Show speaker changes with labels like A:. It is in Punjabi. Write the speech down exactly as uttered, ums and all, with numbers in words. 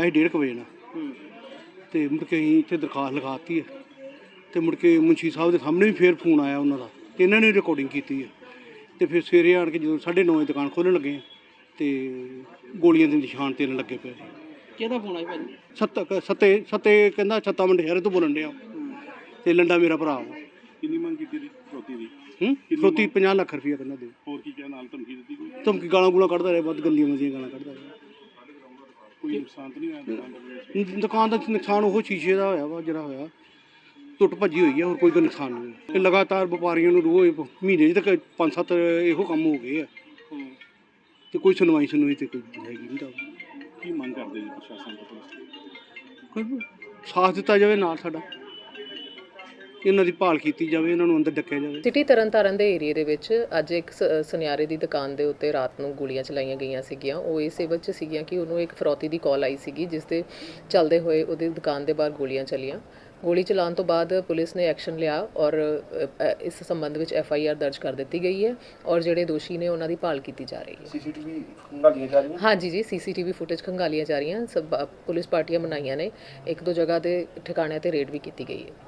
A: ਸੀ डेढ़ क बजे ਨਾਲ ਤੇ ਮੁੜ ਕੇ ਅਸੀਂ ਇੱਥੇ ਦਰਖਾਸਤ ਲਿਖਾਤੀ ਹੈ ਤੇ ਮੁੜ ਕੇ ਮੁਨਸ਼ੀ ਸਾਹਿਬ ਦੇ ਸਾਹਮਣੇ ਵੀ ਫੇਰ ਫੋਨ ਆਇਆ ਉਹਨਾਂ ਦਾ ਤੇ ਇਹਨਾਂ ਨੇ ਰਿਕਾਰਡਿੰਗ ਕੀਤੀ ਹੈ ਤੇ ਫਿਰ ਸਵੇਰੇ ਆਣ ਕੇ ਜਦੋਂ ਸਾਢੇ ਨੌ ਵਜੇ ਦੁਕਾਨ ਖੋਲ੍ਹਣ ਲੱਗੇ ਤੇ ਗੋਲੀਆਂ ਦੇ ਨਿਸ਼ਾਨ ਤੇਰਨ ਲੱਗੇ ਪਏ।
B: ਕਿਹਦਾ ਫੋਨ ਆਇਆ ਭਾਜੀ?
A: ਸੱਤ ਸੱਤੇ ਸੱਤੇ ਕਹਿੰਦਾ ਛੱਤਾ ਮੰਡਿਆਰੇ ਤੋਂ ਬੋਲਣ ਡਿਆ ਤੇ ਲੰਡਾ ਮੇਰਾ ਭਰਾ ਵਾ।
C: ਕਿੰਨੀ ਮੰਗ ਕੀਤੀ ਦੀ ਫਰੋਤੀ ਦੀ?
A: ਹੂੰ ਫਰੋਤੀ ਪੰਜਾਹ ਲੱਖ ਰੁਪਈਆ ਕਹਿੰਦਾ ਦੇ।
C: ਹੋਰ ਕੀ ਕਿਹਾ ਨਾਲ ਧਮਕੀ ਦਿੱਤੀ ਕੋਈ?
A: ਧਮਕੀ ਗਾਲਾਂ ਗੂਲਾਂ ਕੱਢਦਾ ਰਿਹਾ, ਵੱਧ ਗੰਦੀਆਂ ਮੰਦੀਆਂ ਗਾਲਾਂ ਕੱਢਦਾ ਰਿਹਾ।
C: ਕੋਈ ਨੁਕਸਾਨ ਤਾਂ ਨਹੀਂ ਹੋਇਆ ਦੁਕਾਨ ਦੇ ਵਿੱਚ?
A: ਦੁਕਾਨ ਦਾ ਨੁਕਸਾਨ ਉਹ ਸ਼ੀਸ਼ੇ ਦਾ ਹੋਇਆ ਵਾ ਜਿਹੜਾ ਹੋਇਆ, ਟੁੱਟ ਭੱਜੀ ਹੋਈ ਹੈ, ਹੋਰ ਕੋਈ ਨੁਕਸਾਨ ਨਹੀਂ ਹੋਇਆ। ਇਹ ਲਗਾਤਾਰ ਵਪਾਰੀਆਂ ਨੂੰ ਰੋਜ਼ ਮਹੀਨੇ 'ਚ ਤੱਕ ਪੰਜ ਸੱਤ ਇਹੋ ਕੰਮ ਹੋ ਗਏ ਆ ਤੇ ਕੋਈ ਸੁਣਵਾਈ ਸੁਣਵਾਈ ਤੇ ਕੋਈ ਹੈਗੀ ਨਹੀਂ ਤਾਂ
C: ਕੀ ਮੰਗ ਕਰਦੇ ਜੀ ਪ੍ਰਸ਼ਾਸਨ ਤੋਂ ਪੁਲਿਸ?
A: ਕੋਈ ਸਾਥ ਦਿੱਤਾ ਜਾਵੇ ਨਾਲ ਸਾਡਾ, ਇਹਨਾਂ ਦੀ ਭਾਲ ਕੀਤੀ ਜਾਵੇ, ਇਹਨਾਂ ਨੂੰ ਅੰਦਰ ਡੱਕਿਆ ਜਾਵੇ।
D: ਸਿਟੀ ਤਰਨਤਾਰਨ ਦੇ ਏਰੀਏ ਦੇ ਵਿੱਚ ਅੱਜ ਇੱਕ ਸ- ਸੁਨਿਆਰੇ ਦੀ ਦੁਕਾਨ ਦੇ ਉੱਤੇ ਰਾਤ ਨੂੰ ਗੋਲੀਆਂ ਚਲਾਈਆਂ ਗਈਆਂ ਸੀਗੀਆਂ। ਉਹ ਇਸ ਸੇਵਕ 'ਚ ਸੀਗੀਆਂ ਕਿ ਉਹਨੂੰ ਇੱਕ ਫਰੌਤੀ ਦੀ ਕਾਲ ਆਈ ਸੀਗੀ, ਜਿਸ ਦੇ ਚੱਲਦੇ ਹੋਏ ਉਹਦੀ ਦੁਕਾਨ ਦੇ ਬਾਹਰ ਗੋਲੀਆਂ ਚੱਲੀਆਂ। ਗੋਲੀ ਚਲਾਉਣ ਤੋਂ ਬਾਅਦ ਪੁਲਿਸ ਨੇ ਐਕਸ਼ਨ ਲਿਆ ਔਰ ਅ, ਇਸ ਸੰਬੰਧ ਵਿੱਚ ਐਫ ਆਈ ਆਰ ਦਰਜ ਕਰ ਦਿੱਤੀ ਗਈ ਹੈ ਔਰ ਜਿਹੜੇ ਦੋਸ਼ੀ ਨੇ ਉਹਨਾਂ ਦੀ ਭਾਲ ਕੀਤੀ ਜਾ ਰਹੀ ਹੈ।
E: ਸੀਸੀਟੀਵੀ ਖੰਗਾਲੀਆਂ ਜਾ ਰਹੀਆਂ?
D: ਹਾਂਜੀ ਜੀ, ਸੀਸੀਟੀਵੀ ਫੁਟੇਜ ਖੰਗਾਲੀਆਂ ਜਾ ਰਹੀਆਂ। ਸਭ ਪੁਲਿਸ ਪਾਰਟੀਆਂ ਬਣਾਈਆਂ ਨੇ, ਇੱਕ ਦੋ ਜਗ੍ਹਾ ਤੇ ਠਿਕਾਣਿਆਂ ਤੇ ਰੇਡ ਵੀ ਕੀਤੀ ਗਈ ਹੈ।